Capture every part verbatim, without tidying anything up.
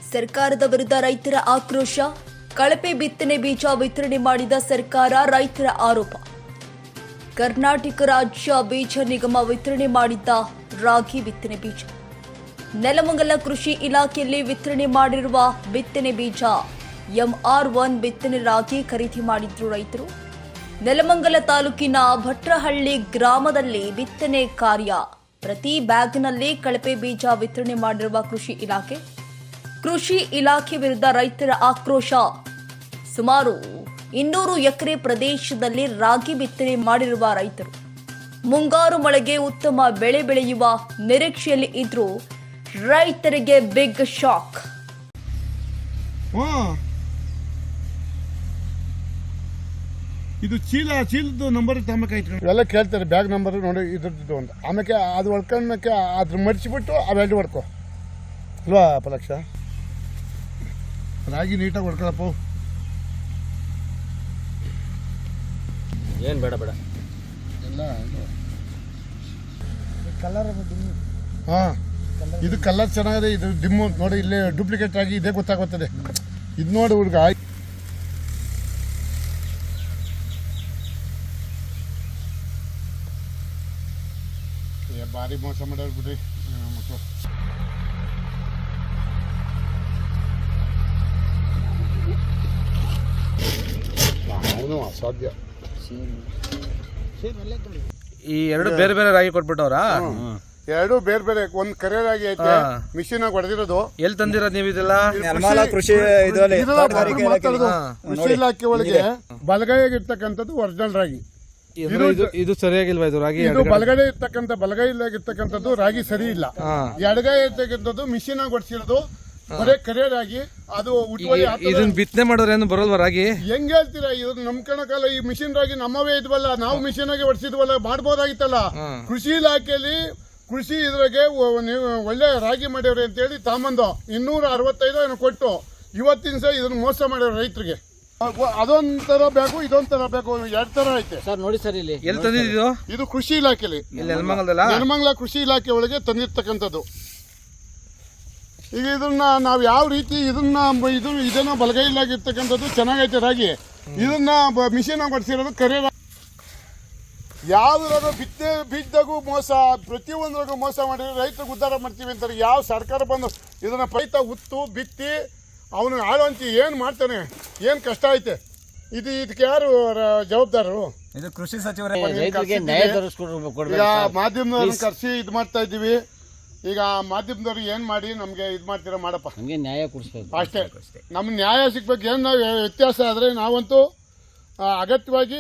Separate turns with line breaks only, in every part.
ಸರ್ಕಾರದ ವಿರುದ್ಧ ರೈತರ ಆಕ್ರೋಶ. ಕಳಪೆ ಬಿತ್ತನೆ ಬೀಜ ವಿತರಣೆ ಮಾಡಿದ ಸರ್ಕಾರ, ರೈತರ ಆರೋಪ. ಕರ್ನಾಟಕ ರಾಜ್ಯ ಬೀಜ ನಿಗಮ ವಿತರಣೆ ಮಾಡಿದ್ದ ರಾಗಿ ಬಿತ್ತನೆ ಬೀಜ. ನೆಲಮಂಗಲ ಕೃಷಿ ಇಲಾಖೆಯಲ್ಲಿ ವಿತರಣೆ ಮಾಡಿರುವ ಬಿತ್ತನೆ ಬೀಜ ಎಂಆರ್ ಒನ್ ಬಿತ್ತನೆ ರಾಗಿ ಖರೀದಿ ಮಾಡಿದ್ರು ರೈತರು. ನೆಲಮಂಗಲ ತಾಲೂಕಿನ ಭಟ್ರಹಳ್ಳಿ ಗ್ರಾಮದಲ್ಲಿ ಬಿತ್ತನೆ ಕಾರ್ಯ. ಪ್ರತಿ ಬ್ಯಾಗ್ನಲ್ಲಿ ಕಳಪೆ ಬೀಜ ವಿತರಣೆ ಮಾಡಿರುವ ಕೃಷಿ ಇಲಾಖೆ. ಕೃಷಿ ಇಲಾಖೆ ವಿರುದ್ಧ ರೈತರ ಆಕ್ರೋಶ. ಸುಮಾರು ಇನ್ನೂರು ಎಕರೆ ಪ್ರದೇಶದಲ್ಲಿ ರಾಗಿ ಬಿತ್ತನೆ ಮಾಡಿರುವ ರೈತರು ಮುಂಗಾರು ಮಳೆಗೆ ಉತ್ತಮ ಬೆಳೆ ಬೆಳೆಯುವ ನಿರೀಕ್ಷೆಯಲ್ಲಿ ಇದ್ರೂ ರೈತರಿಗೆ ಬಿಗ್ ಶಾಕ್.
ಇದು ಚೀಲ ಚೀಲದ ನಂಬರ್ ತಮ್ಮಕಾಯ್ತು ಎಲ್ಲ ಕೇಳ್ತಾರೆ, ಬ್ಯಾಗ್ ನಂಬರ್ ನೋಡಿ ಇದ್ರದ್ದು ಅಂತ. ಆಮೇಲೆ ಅದು ಹೊಡ್ಕೊಂಡ್ಮೇಲೆ ಅದ್ರ ಮಡಿಸಿಬಿಟ್ಟು ಅವೆರಡು ಹೊಡ್ಕೊ ಅಲ್ವಾ ಪಲಕ್ಷ. ರಾಗಿ ನೀಟಾಗಿ ಹೊಡ್ಕೊಳಪ್ಪ.
ಏನು ಬೇಡ ಬೇಡ
ಎಲ್ಲ ಕಲರ್ ಹಾಂ, ಇದು ಕಲರ್ ಚೆನ್ನಾಗಿದೆ. ಇದು ಡಿಮ್ಮು ನೋಡಿ, ಇಲ್ಲೇ ಡೂಪ್ಲಿಕೇಟ್ ಆಗಿ ಇದೇ ಗೊತ್ತಾಗುತ್ತದೆ. ಇದು ನೋಡಿ ಹುಡುಗ ಭಾರಿ ಮೋಸ ಮಾಡೋರು ಬಿಡ್ರಿ ಮಕ್ಕಳು. ಅವನು ಅಸಾಧ್ಯ.
ಈ ಎರಡು ಬೇರೆ ಬೇರೆ ರಾಗಿ ಕೊಟ್ಬಿಟ್ಟವ್ರಾ?
ಎರಡು ಬೇರೆ ಬೇರೆ. ಒಂದ್ ಕರೆ ರಾಗಿ ಐತೆ, ಮಿಷಿನ್ ಆಗಿ ಹೊಡೆದಿರೋದು.
ಎಲ್ಲಿ ತಂದಿರೋದು ನೀವು ಇದೆಲ್ಲ?
ಕೃಷಿ ಇಲಾಖೆ ಒಳಗೆ ಬಲಗೈಯಾಗಿ ಇರ್ತಕ್ಕಂಥದ್ದು ಒರಿಜಿನಲ್ ರಾಗಿ.
ಇದು ಸರಿಯಾಗಿಲ್ವಾ? ಇದು ರಾಗಿ
ಇದು ಬಲಗಡೆ ಇರ್ತಕ್ಕಂಥ ಬಲಗೈಲಾಗಿರ್ತಕ್ಕಂಥದ್ದು ರಾಗಿ ಸರಿ ಇಲ್ಲ. ಎಡಗೈ ಇರ್ತಕ್ಕಂಥದ್ದು ಮಿಷಿನ್ ಆಗಿ ಹೊಡ್ಸಿರೋದು ಬರೇ ಕರೆ ರಾಗಿ. ಅದು
ಇದನ್ನ ಬಿತ್ತನೆ ಮಾಡೋರು ಏನು ಬರೋಲ್ವಾ ರಾಗಿ? ಹೆಂಗ್
ಹೇಳ್ತೀರಾ? ಇದು ನಮ್ ಕಣಕಲ್ಲ. ಈ ಮಿಷಿನ್ ರಾಗಿ ನಮ್ಮವೇ ಇದ್ವಲ್ಲ, ನಾವು ಮಿಷಿನ್ ಆಗಿ ಹೊಡ್ಸಿದ್ವಲ್ಲ, ಮಾಡ್ಬೋದಾಗಿತ್ತಲ್ಲ. ಕೃಷಿ ಇಲಾಖೆಯಲ್ಲಿ ಕೃಷಿ ಇದ್ರಾಗೆ ನೀವು ಒಳ್ಳೆ ರಾಗಿ ಮಾಡ್ಯವ್ರಿ ಅಂತ ಹೇಳಿ ತಾಂಬಂದು ಇನ್ನೂರ ಅರವತ್ತೈದು ಏನು ಕೊಟ್ಟು ಇವತ್ತಿನ ಸಹ ಇದನ್ನ ಮೋಸ ಮಾಡ್ಯಾರ ರೈತರಿಗೆ. ಅದೊಂಥರ ಬೇಕು, ಇದೊಂಥರ ಬೇಕು, ಎರಡ್ ತರ ಐತೆ
ಸರ್. ನೋಡಿ ಸರ್, ಇಲ್ಲಿ ಎಲ್ಲಿ ತಂದಿದ್ದು?
ಇದು ಕೃಷಿ ಇಲಾಖೆಯಲ್ಲಿ ನೆಲಮಂಗಲ ಕೃಷಿ ಇಲಾಖೆ ಒಳಗೆ ತಂದಿರ್ತಕ್ಕಂಥದ್ದು. ಈಗ ಇದನ್ನ ನಾವು ಯಾವ ರೀತಿ ಇದನ್ನ ಇದು ಇದನ್ನ ಬಲಗೈಲಾಗಿರ್ತಕ್ಕಂಥದ್ದು ಚೆನ್ನಾಗೈತೆ ರಾಗಿ. ಇದನ್ನ ಮಿಷಿನ್ ಹೊಡ್ಸಿರೋದು ಕರೆ. ಯಾವ್ದ್ರಾಗ ಬಿತ್ತನೆ ಬೀಜದಾಗೂ ಮೋಸ, ಪ್ರತಿಯೊಂದ್ರಾಗೂ ಮೋಸ ಮಾಡಿದ್ರೆ ರೈತರಿಗೆ ಉದ್ಧಾರ ಮಾಡ್ತೀವಿ ಅಂತಾರೆ. ಯಾವ ಸರ್ಕಾರ ಬಂದು ಇದನ್ನ ರೈತ ಉತ್ತು ಬಿತ್ತಿ ಅವನು ಆಳುವಂತಿ ಏನು ಮಾಡ್ತಾನೆ? ಏನು ಕಷ್ಟ ಐತೆ ಇದು? ಇದಕ್ಕೆ ಯಾರು ಜವಾಬ್ದಾರರು?
ಇದು ಕೃಷಿ ಸಚಿವರೇ.
ಈಗ ಮಾಧ್ಯಮದವ್ರನ್ನ ಕರೆಸಿ ಇದು ಮಾಡ್ತಾ ಇದ್ದೀವಿ. ಈಗ ಮಾಧ್ಯಮದವ್ರು ಏನು ಮಾಡಿ ನಮಗೆ ಇದು ಮಾಡ್ತೀರಾ ಮಾಡಪ್ಪ,
ನಮಗೆ ನ್ಯಾಯ ಕೊಡಿಸ್ಬೇಕು
ಅಷ್ಟೇ. ನಮ್ಗೆ ನ್ಯಾಯ ಸಿಗ್ಬೇಕು. ಏನು ನಾವು ವ್ಯತ್ಯಾಸ ಆದರೆ ನಾವಂತೂ ಅಗತ್ಯವಾಗಿ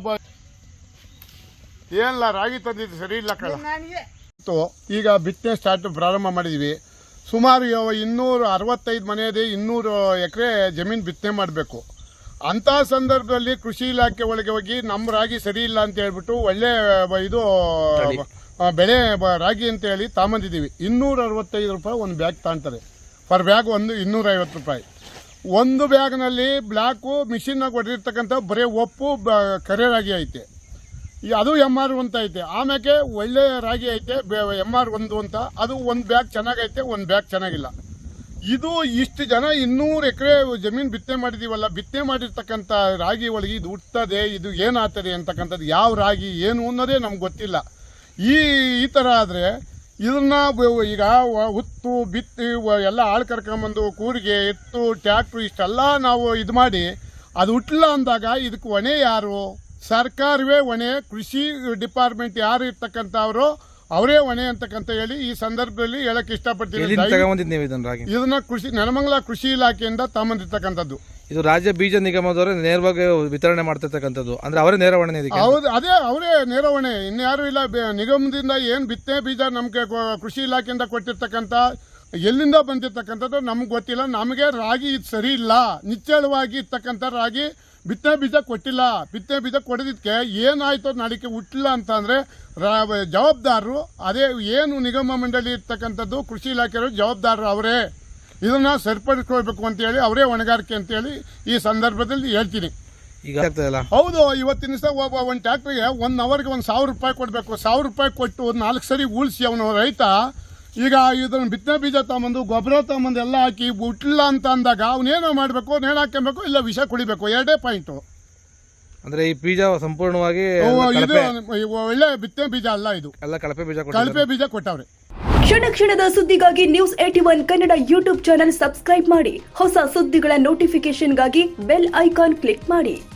ಏನಿಲ್ಲ, ರಾಗಿ ತಂದಿದ್ದು ಸರಿ ಇಲ್ಲ ಕಳ. ಈಗ ಬಿತ್ತನೆ ಸ್ಟಾರ್ಟ್ ಪ್ರಾರಂಭ ಮಾಡಿದ್ದೀವಿ. ಸುಮಾರು ಇನ್ನೂರ ಅರವತ್ತೈದು ಮನೆ ಇದೆ, ಇನ್ನೂರು ಎಕರೆ ಜಮೀನು ಬಿತ್ತನೆ ಮಾಡಬೇಕು. ಅಂಥ ಸಂದರ್ಭದಲ್ಲಿ ಕೃಷಿ ಇಲಾಖೆ ಒಳಗೆ ಹೋಗಿ ನಮ್ಮ ರಾಗಿ ಸರಿ ಇಲ್ಲ ಅಂತ ಹೇಳ್ಬಿಟ್ಟು ಒಳ್ಳೆ ಇದು ಬೆಳೆ ರಾಗಿ ಅಂತ ಹೇಳಿ ತಾಂಬಂದಿದ್ದೀವಿ. ಇನ್ನೂರ ಅರವತ್ತೈದು ರೂಪಾಯಿ ಒಂದು ಬ್ಯಾಗ್ ತಾಂತಾರೆ. ಪರ್ ಬ್ಯಾಗ್ ಒಂದು ಇನ್ನೂರ ಐವತ್ತು ರೂಪಾಯಿ. ಒಂದು ಬ್ಯಾಗ್ನಲ್ಲಿ ಬ್ಲ್ಯಾಕು ಮಿಷಿನ್ನಾಗಿ ಹೊಡೆದಿರ್ತಕ್ಕಂಥ ಬರೀ ಒಪ್ಪು ಕರೆ ರಾಗಿ ಐತೆ. ಅದು ಎಮ್ ಆರ್ ಅಂತ ಐತೆ. ಆಮ್ಯಾಕೆ ಒಳ್ಳೆ ರಾಗಿ ಐತೆ ಎಮ್ ಆರ್ ಒಂದು ಅಂತ. ಅದು ಒಂದು ಬ್ಯಾಗ್ ಚೆನ್ನಾಗೈತೆ, ಒಂದು ಬ್ಯಾಗ್ ಚೆನ್ನಾಗಿಲ್ಲ. ಇದು ಇಷ್ಟು ಜನ ಇನ್ನೂರು ಎಕರೆ ಜಮೀನು ಬಿತ್ತನೆ ಮಾಡಿದೀವಲ್ಲ, ಬಿತ್ತನೆ ಮಾಡಿರ್ತಕ್ಕಂಥ ರಾಗಿ ಒಳಗೆ ಇದು ಹುಟ್ಟದೆ, ಇದು ಏನಾಗ್ತದೆ ಅಂತಕ್ಕಂಥದ್ದು, ಯಾವ ರಾಗಿ ಏನು ಅನ್ನೋದೇ ನಮ್ಗೆ ಗೊತ್ತಿಲ್ಲ. ಈ ಈ ಥರ ಆದರೆ ಇದನ್ನ ಈಗ ಹುತ್ತು ಬಿತ್ತಿ ಎಲ್ಲ ಆಳು ಕರ್ಕೊಂಬಂದು ಕೂರಿಗೆ ಎತ್ತು ಟ್ಯಾಕ್ಟ್ರು ಇಷ್ಟೆಲ್ಲ ನಾವು ಇದು ಮಾಡಿ ಅದು ಹುಟ್ಟಲ್ಲ ಅಂದಾಗ ಇದಕ್ಕೆ ಹೊಣೆ ಯಾರು? ಸರ್ಕಾರವೇ ಹೊಣೆ. ಕೃಷಿ ಡಿಪಾರ್ಟ್ಮೆಂಟ್ ಯಾರು ಇರ್ತಕ್ಕಂಥವ್ರು ಅವರೇ ಹೊಣೆ ಅಂತಕ್ಕಂತ ಹೇಳಿ ಈ ಸಂದರ್ಭದಲ್ಲಿ ಹೇಳಕ್ ಇಷ್ಟಪಡ್ತೀನಿ. ಇದನ್ನ ಕೃಷಿ ನೆಲಮಂಗಲ ಕೃಷಿ ಇಲಾಖೆಯಿಂದ ತಗೊಂಬಂದಿರ್ತಕ್ಕಂಥದ್ದು.
ಇದು ರಾಜ್ಯ ಬೀಜ ನಿಗಮದವರೇ ನೇರವಾಗಿ ವಿತರಣೆ ಮಾಡ್ತಿರ್ತಕ್ಕಂಥದ್ದು, ಅಂದ್ರೆ ಅವರೇ ನೇರ ಹೊಣೆ.
ಹೌದು, ಅದೇ ಅವರೇ ನೇರ ಹೊಣೆ, ಇನ್ಯಾರು ಇಲ್ಲ. ನಿಗಮದಿಂದ ಏನ್ ಬಿತ್ತನೆ ಬೀಜ ನಮ್ಗೆ ಕೃಷಿ ಇಲಾಖೆಯಿಂದ ಕೊಟ್ಟಿರ್ತಕ್ಕಂಥ ಎಲ್ಲಿಂದ ಬಂದಿರ್ತಕ್ಕಂಥದ್ದು ನಮ್ಗೆ ಗೊತ್ತಿಲ್ಲ. ನಮಗೆ ರಾಗಿ ಇದು ಸರಿ ಇಲ್ಲ, ನಿಚ್ಚಳವಾಗಿ ಇರ್ತಕ್ಕಂಥ ರಾಗಿ ಬಿತ್ತನೆ ಬೀಜ ಕೊಟ್ಟಿಲ್ಲ. ಬಿತ್ತನೆ ಬೀಜ ಕೊಡೋದಕ್ಕೆ ಏನಾಯ್ತು ನಾಳಿಕೆ ಹುಟ್ಟಿಲ್ಲ ಅಂತ ಅಂದ್ರೆ ಜವಾಬ್ದಾರರು ಅದೇ ಏನು ನಿಗಮ ಮಂಡಳಿ ಇರ್ತಕ್ಕಂಥದ್ದು ಕೃಷಿ ಇಲಾಖೆಯವರು ಜವಾಬ್ದಾರರು ಅವರೇ. ಇದನ್ನ ಸರಿಪಡಿಸ್ಕೊಳ್ಬೇಕು ಅಂತ ಹೇಳಿ ಅವರೇ ಹೊಣೆಗಾರಿಕೆ ಅಂತ ಹೇಳಿ ಈ ಸಂದರ್ಭದಲ್ಲಿ ಹೇಳ್ತೀನಿ.
ಈಗ
ಹೌದು, ಇವತ್ತಿನ ದಿವಸ ಒಬ್ಬ ಒಂದು ಟ್ಯಾಕ್ಟ್ರಿಗೆ ಒನ್ ಅವರ್ಗೆ ಒಂದು ಸಾವಿರ ರೂಪಾಯಿ ಕೊಡಬೇಕು. ಸಾವಿರ ರೂಪಾಯಿ ಕೊಟ್ಟು ನಾಲ್ಕು ಸರಿ ಉಳಿಸಿ ಅವನು ರೈತ ಈಗ ಇದನ್ನ ಬಿತ್ತನೆ ಬೀಜ ತಗೊಂಬಂದು ಗೊಬ್ಬರ ತಗೊಂಬಂದು ಎಲ್ಲ ಹಾಕಿ ಹುಟ್ಟಿಲ್ಲ ಅಂತ ಅಂದಾಗ ಅವನೇನೋ ಮಾಡಬೇಕು ನೇಣು ಹಾಕ್ಕೊಬೇಕು ಇಲ್ಲ ವಿಷ ಕುಡಿಬೇಕು ಎರಡೇ ಪಾಯಿಂಟು.
ಅಂದ್ರೆ ಈ ಬೀಜ ಸಂಪೂರ್ಣವಾಗಿ
ಇದು ಒಳ್ಳೆ ಬಿತ್ತನೆ ಬೀಜ ಅಲ್ಲ, ಇದು
ಎಲ್ಲ ಕಳಪೆ ಬೀಜ
ಕಳಪೆ ಬೀಜ ಕೊಟ್ಟವ್ರೆ.
ಕ್ಷಣ ಕ್ಷಣದ ಸುದ್ದಿಗಾಗಿ news eighty one Kannada YouTube channel subscribe ಮಾಡಿ. ಹೊಸ ಸುದ್ದಿಗಳ ನೋಟಿಫಿಕೇಶನ್ಗಾಗಿ ಬೆಲ್ ಐಕಾನ್ ಕ್ಲಿಕ್ ಮಾಡಿ.